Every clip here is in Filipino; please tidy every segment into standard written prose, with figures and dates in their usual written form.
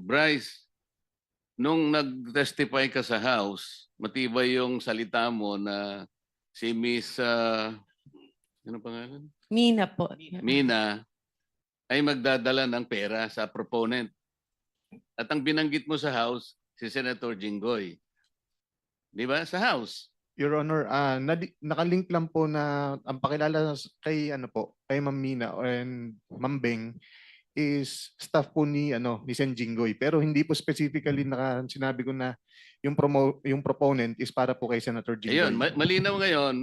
Bryce, nung nag-testify ka sa House, matibay yung salita mo na si Miss, ano pangalan? Mina po. Mina, ay magdadala ng pera sa proponent. At ang binanggit mo sa House, si Senator Jinggoy. Di ba? Sa House. Your Honor, nakalink lang po na ang pakilala kay kay Ma'am Mina and Ma'am Beng is staff po ni ni Sen Jinggoy, pero hindi po specifically sinabi ko na yung proponent is para po kay Senator Jinggoy. Ayun, malinaw ngayon,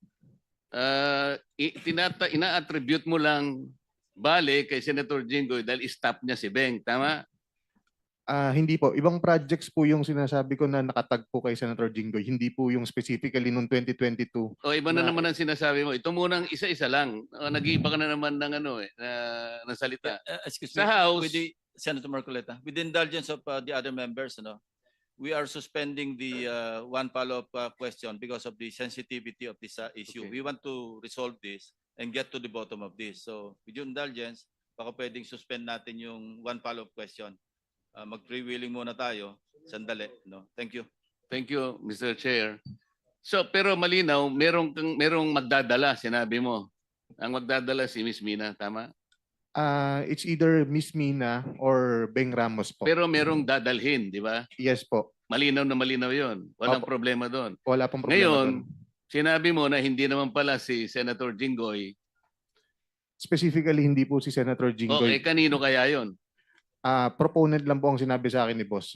ina-attribute mo lang bale kay Senator Jinggoy dahil staff niya si Beng, tama? Hindi po. Ibang projects po yung sinasabi ko na nakatag po kay Senator Jinggoy. Hindi po yung specifically noong 2022. O iba na naman ang sinasabi mo. Ito munang isa-isa lang. Nag-iiba ka na naman ng ng salita. Excuse Sa me, House, with the Senator Marcoleta, with the indulgence of the other members, we are suspending the one follow-up question because of the sensitivity of this issue. Okay. We want to resolve this and get to the bottom of this. So, with your indulgence, baka pwedeng suspend natin yung one follow-up question. Mag-freewheeling muna tayo. Sandali. No? Thank you. Thank you, Mr. Chair. So, pero malinaw, merong magdadala, sinabi mo. Ang magdadala si Miss Mina, tama? It's either Miss Mina or Beng Ramos po. Pero merong dadalhin, di ba? Yes po. Malinaw na malinaw yon. Walang Opo. problema doon. Wala pong problema Ngayon, doon. sinabi mo na hindi naman pala si Senator Jinggoy. Specifically, hindi po si Senator O, Jinggoy. kanino kaya yon? Proponent lang po ang sinabi sa akin ni boss.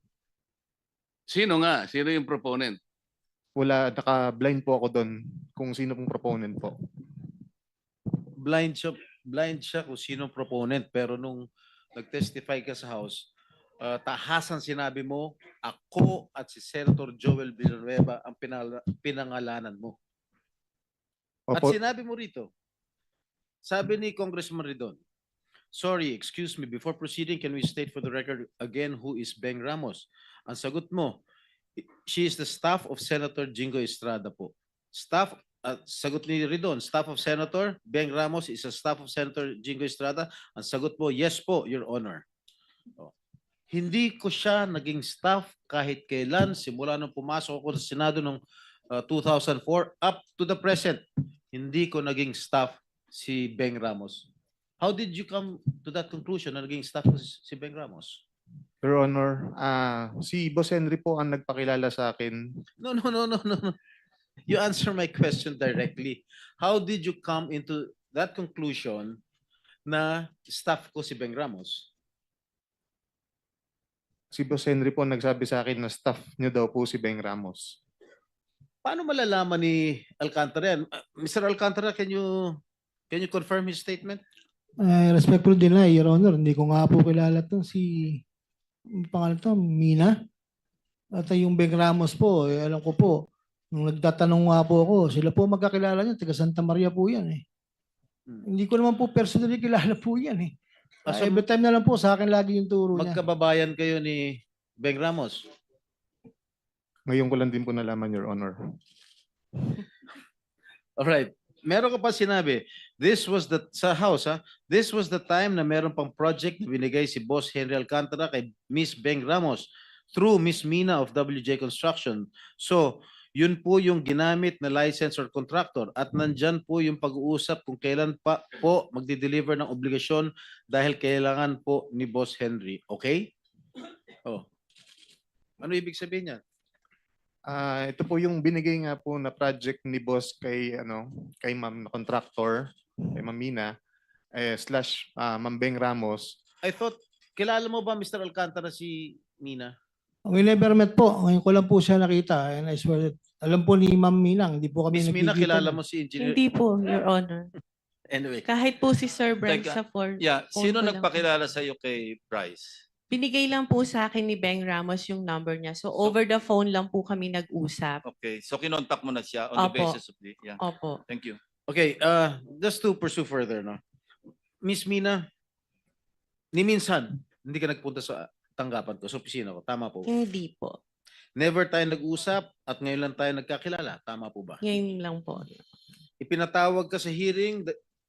Sino nga? Sino yung proponent? Wala, naka-blind po ako doon kung sino pong proponent po. Blind siya kung sino proponent, pero nung nag-testify ka sa House, tahasan sinabi mo, ako at si Senator Joel Villanueva ang pinangalanan mo. At Opo, sinabi mo rito, sabi ni Congressman Ridon, sorry, excuse me, before proceeding, can we state for the record again who is Beng Ramos? Ang sagot mo, she is the staff of Senator Jingo Estrada po. Staff, sagot ni Ridon, staff of Senator Beng Ramos is a staff of Senator Jingo Estrada. Ang sagot mo, yes po, Your Honor. Oh. Hindi ko siya naging staff kahit kailan, simula nung pumasok ako sa Senado noong 2004 up to the present. Hindi ko naging staff si Beng Ramos. How did you come to that conclusion na naging staff ko si Beng Ramos? Your Honor, si Boss Henry po ang nagpakilala sa akin. No. You answer my question directly. How did you come into that conclusion na staff ko si Beng Ramos? Si Boss Henry po nagsabi sa akin na staff niyo daw po si Beng Ramos. Paano malalaman ni Alcantara yan? Mr. Alcantara, can you confirm his statement? Respectful deny, Your Honor. Hindi ko nga po kilala itong pangalan to, Mina. At yung Beng Ramos po, alam ko po, nung nagtatanong nga po ako, sila po magkakilala niya, taga Santa Maria po yan eh. Hindi ko naman po personally kilala po yan eh. So, Every time na lang po, sa akin lagi yung turo niya. magkababayan kayo ni Beng Ramos? Ngayon ko lang din po nalaman, Your Honor. Alright. Meron ka pa sinabi, sa House, this was the time na meron pang project na binigay si Boss Henry Alcantara kay Miss Beng Ramos through Miss Mina of WJ Construction. So, yun po yung ginamit na license or contractor at nandyan po yung pag-uusap kung kailan pa po magdi-deliver ng obligasyon dahil kailangan po ni Boss Henry. Okay? Oh. Ano ibig sabihin niya? Ito po yung binigay nga po na project ni boss kay kay Ma'am na contractor, kay Ma'am Mina slash Ma'am Beng Ramos. I thought, kilala mo ba Mr. Alcantara si Mina? We never met po. Ngayon ko lang po siya nakita. And I swear that, alam po ni Ma'am Minang, hindi po kami Miss Mina, nagkikita. kilala mo si Engineer? Hindi po, Your Honor. Anyway. Kahit po si Sir Bryce Teka, sa phone. Yeah, sino phone ko lang. nagpakilala sa iyo kay Bryce? Binigay lang po sa akin ni Beng Ramos yung number niya. So over the phone lang po kami nag-usap. Okay, so kinontak mo na siya on the Opo. basis of the Opo. Thank you. Okay, just to pursue further, no? Miss Mina, ni minsan, hindi ka nagpunta sa tanggapan ko, sa opisina ko. Tama po. Hindi po. Never tayo nag-usap at ngayon lang tayo nagkakilala. Tama po ba? Ngayon lang po. Ipinatawag ka sa hearing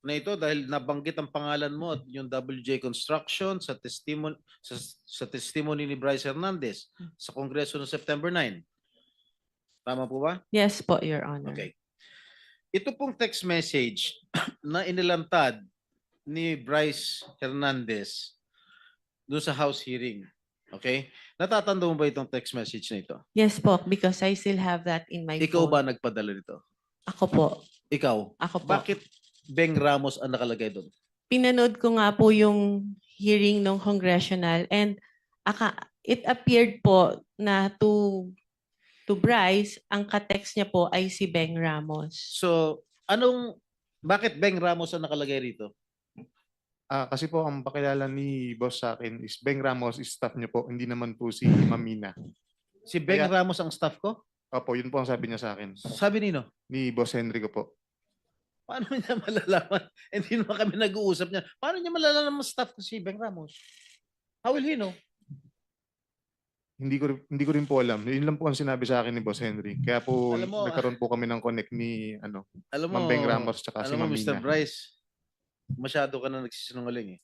na ito dahil nabanggit ang pangalan mo at yung WJ Construction sa testimony ni Bryce Hernandez sa Kongreso noong September 9. Tama po ba? Yes po, Your Honor. Okay. Ito pong text message na inilantad ni Bryce Hernandez doon sa House hearing. Okay? Natatanda mo ba itong text message na ito? Yes po, because I still have that in my Ikaw phone. ba nagpadala nito? Ako po. Ikaw? Ako po. Bakit Beng Ramos ang nakalagay doon? Pinanood ko nga po yung hearing ng congressional and it appeared po na to Bryce, ang ka-text niya po ay si Beng Ramos. So, bakit Beng Ramos ang nakalagay rito? Kasi po ang pakilala ni boss sa akin is Beng Ramos is staff niyo po, hindi naman po si Ma'am Mina. Si Beng Kaya- Ramos ang staff ko? Opo, yun po ang sabi niya sa akin. Sabi nino? Ni Boss Henry ko po. Paano niya malalaman? Hindi naman kami nag-uusap niya. Paano niya malalaman staff ko si Beng Ramos? How will he know? Hindi ko rin po alam. Yun lang po ang sinabi sa akin ni Boss Henry. Kaya po Alam mo, nagkaroon po kami ng connect ni Alam mo, Ma'am Beng Ramos tsaka si alam mo, Ma'am Mr. Mina. Bryce, masyado ka na nagsisinungaling eh.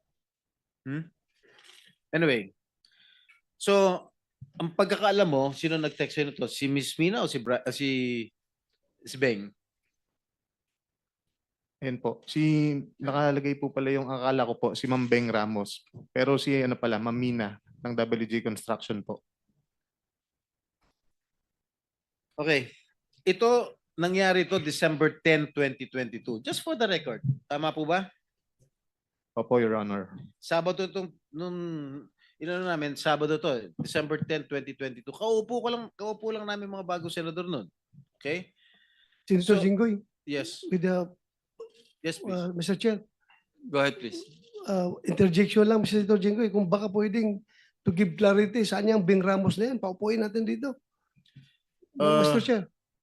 Anyway, so, ang pagkakaalam mo, sino nag-text sa'yo nito? Si Miss Mina o si Beng? Ayan po. Nakalagay po pala yung akala ko po, si Ma'am Beng Ramos. Pero si pala, Ma'am Mina ng WJ Construction po. Okay. Ito, nangyari ito December 10, 2022. Just for the record. Tama po ba? Opo, Your Honor. Sabado itong, namin, Sabado to, December 10, 2022. Kaupo lang namin mga bagong senador nun. Okay? Senator So- Jinggoy, Yes. with the, Yes, please. Mr. Chair, Go ahead, please. interjection lang, Mr. Senator Jinggoy, kung baka pwedeng to give clarity, saan yung Beng Ramos na yan? Paupuin natin dito. Mr. Chair.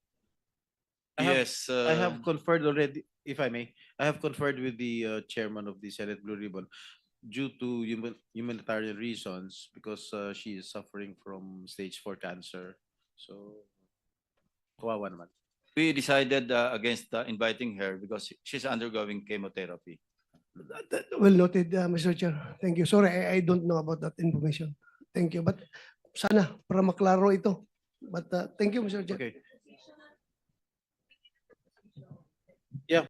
Yes. I have conferred already, if I may, I have conferred with the chairman of the Senate Blue Ribbon due to humanitarian reasons because she is suffering from stage 4 cancer. So, kawawa naman. We decided against inviting her because she's undergoing chemotherapy. Well noted, Mr. Chair. Thank you. Sorry, I don't know about that information. Thank you. But sana, para maklaro ito. But thank you, Mr. Chair. Okay.